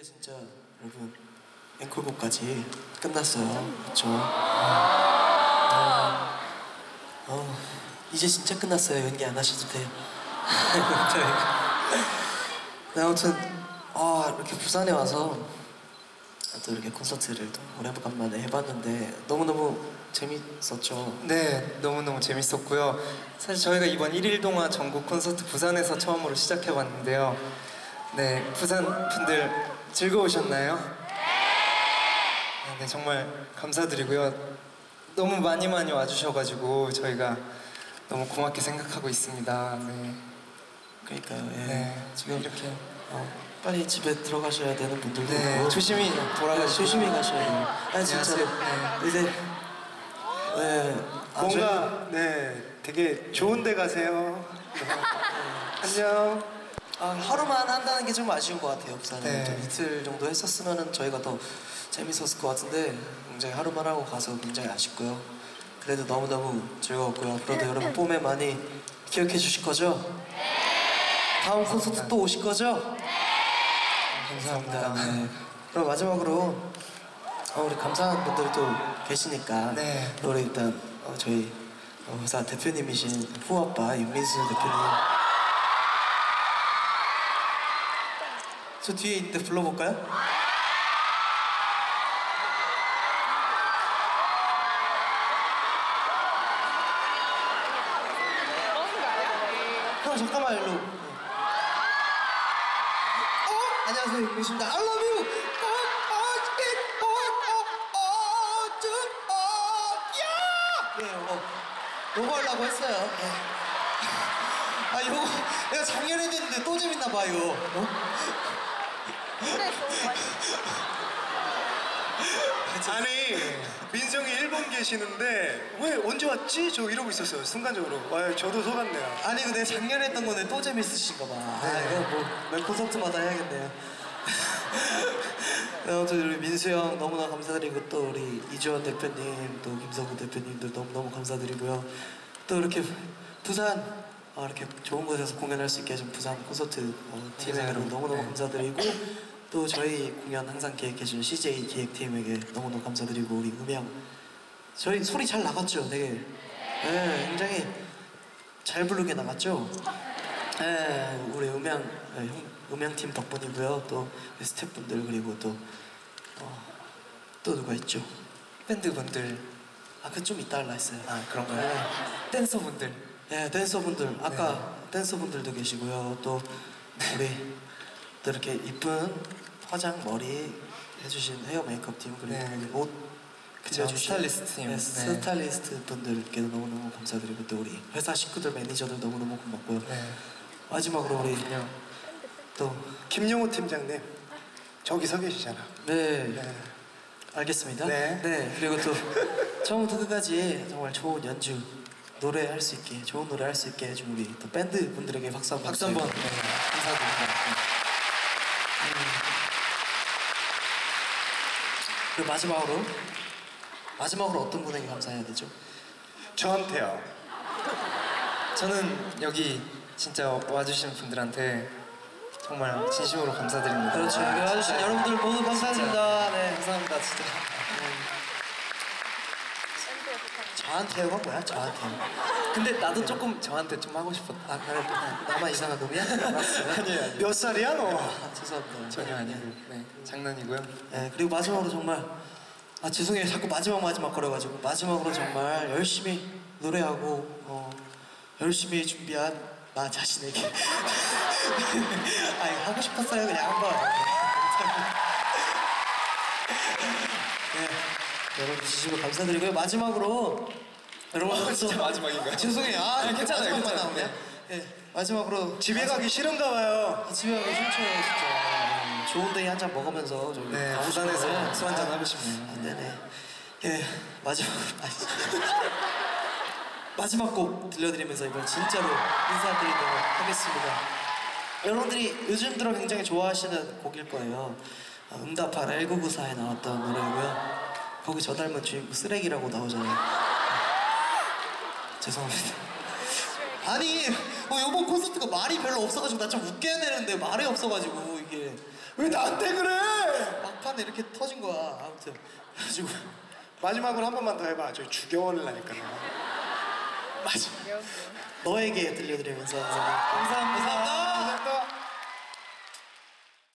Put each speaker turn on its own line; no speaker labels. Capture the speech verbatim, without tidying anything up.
이제 진짜 여러분 앵콜곡까지 끝났어요. 그렇죠? 어, 어, 이제 진짜 끝났어요. 연기 안 하셔도 돼요. 네, 아무튼 아, 이렇게 부산에 와서 또 이렇게 콘서트를 또 오래간만에 해봤는데 너무너무 재밌었죠?
네, 너무너무 재밌었고요. 사실 저희가 이번 일 일 동안 전국 콘서트 부산에서 처음으로 시작해봤는데요. 네, 부산 분들 즐거우셨나요? 네, 정말 감사드리고요. 너무 많이 많이 와주셔가지고 저희가 너무 고맙게 생각하고 있습니다. 네.
그러니까요. 예.
네,
지금
이렇게
어, 빨리 집에 들어가셔야 되는 분들도
네,
있고
조심히 돌아가시고
네, 조심히 가셔야 돼요. 아니 진짜로
네.
이제 네, 아,
뭔가 네 되게 좋은 데 가세요. 안녕.
아, 하루만 한다는 게 좀 아쉬운 것 같아요. 부산은
네.
좀 이틀 정도 했었으면 저희가 더 재밌었을 것 같은데 굉장히 하루만 하고 가서 굉장히 아쉽고요. 그래도 너무너무 즐거웠고요. 앞으로도 여러분 봄에 많이 기억해 주실 거죠? 다음 콘서트 또 오실 거죠? 감사합니다. 네. 그럼 마지막으로 어, 우리 감사한 분들이 또 계시니까
네.
우리 일단 어, 저희 어, 회사 대표님이신 후아빠 윤민수 대표님 저 뒤에 있는데 불러볼까요? 형 잠깐만 일로. 어? 안녕하세요 윤민수입니다. I love you. 어, 어, 어, 어, 어, 쭉, 어, 야! 네 요거 요거 하려고 했어요. 네. 아 요거 내가 작년에 했는데 또 재밌나 봐 이거. 어?
아니 민성이 일본 계시는데 왜 언제 왔지? 저 이러고 있었어요. 순간적으로. 와, 저도 속았네요.
아니 이거 내가 작년에 했던 건데 또 재밌으신가 봐. 아 이거 뭐매 콘서트마다 해야겠네요. 네, 아무튼 우리 민수 형 너무나 감사드리고 또 우리 이주원 대표님 또 김성구 대표님들 너무너무 감사드리고요. 또 이렇게 부산 어, 이렇게 좋은 곳에서 공연할 수 있게 해준 부산 콘서트 어, 팀에 여러분 너무너무 감사드리고 또 저희 공연 항상 기획해준 씨제이 기획팀에게 너무너무 감사드리고 우리 음향 저희 소리 잘 나갔죠? 되게 네, 굉장히 잘 부르게 나갔죠? 네, 우리 음향 네, 음향팀 덕분이고요. 또 스태프분들 그리고 또 어, 또 누가 있죠?
밴드분들.
아 그 좀 이따 할라 했어요.
아, 그런가요?
네.
댄서분들.
네, 댄서분들 아까 네. 댄서분들도 계시고요. 또 우리 또 이렇게 이쁜 화장 머리 해주신 헤어 메이크업 팀 그리고
네.
옷
그쵸,
그려주신
스타일리스트 팀.
네,
네.
스타일리스트 분들께도 너무너무 감사드리고 또 우리 회사 식구들 매니저들 너무너무 고맙고요.
네.
마지막으로 우리
그냥
또
김용호 팀장님 저기 서 계시잖아.
네,
네.
알겠습니다.
네.
네, 그리고 또 처음부터 끝까지 정말 좋은 연주 노래할 수 있게 좋은 노래 할 수 있게 해준 우리 또 밴드 분들에게 박수 한번
박수 한번.
네, 감사드립니다. 음. 그리고 마지막으로 마지막으로 어떤 분에게 감사해야 되죠?
저한테요.
저는 여기 진짜 와주신 분들한테 정말 진심으로 감사드립니다.
그렇죠. 여기 와주신
진짜.
여러분들 모두 감사드립니다. 네.
감사합니다, 진짜.
저한테요가 뭐야? 저한테요.
근데 나도 조금 저한테 좀 하고 싶었다.
아 그래? 나만 이상한 놈이야? 알았어요.
아니에요, 아니에요.
몇 살이야 너?
아, 죄송합니다.
전혀 아니고, 네, 장난이고요.
네, 그리고 마지막으로 정말 아 죄송해요. 자꾸 마지막 마지막 거려가지고 마지막으로 정말 열심히 노래하고 어, 열심히 준비한 나 자신에게 아 이거 하고 싶었어요. 그냥 한 번. 네, 여러분 진심으로 감사드리고요. 마지막으로 여러분
어, 진짜
또-
마지막인가요?
죄송해요. 아,
아니, 괜찮아요,
마지막만
괜찮아요.
나오네. 네, 마지막으로
집에 가기 싫은가 봐요.
아, 집에 가기 싫죠 진짜. 음, 좋은 데이 한 잔 먹으면서 좀
네,
가고
부산에서
싶어요.
술 한잔 하고 싶네요.
아, 네네. 예, 마지막으로 마지막 곡 들려드리면서 이번 진짜로 인사드리도록 하겠습니다. 여러분들이 요즘 들어 굉장히 좋아하시는 곡일 거예요. 어, 응답하라 천구백구십사에 나왔던 노래고요. 거기 저 닮은 주인공 쓰레기라고 나오잖아요. 죄송합니다. 아니, 어, 이번 콘서트가 말이 별로 없어가지고 나 좀 웃게 해야 되는데 말이 없어가지고 이게
왜 나한테 그래?
몰랐네 이렇게 터진 거야. 아무튼 그래가지고
마지막으로 한 번만 더 해봐. 저희 죽여올라니까.
맞아. 너에게 들려드리면서 감사합니다. 감사합니다.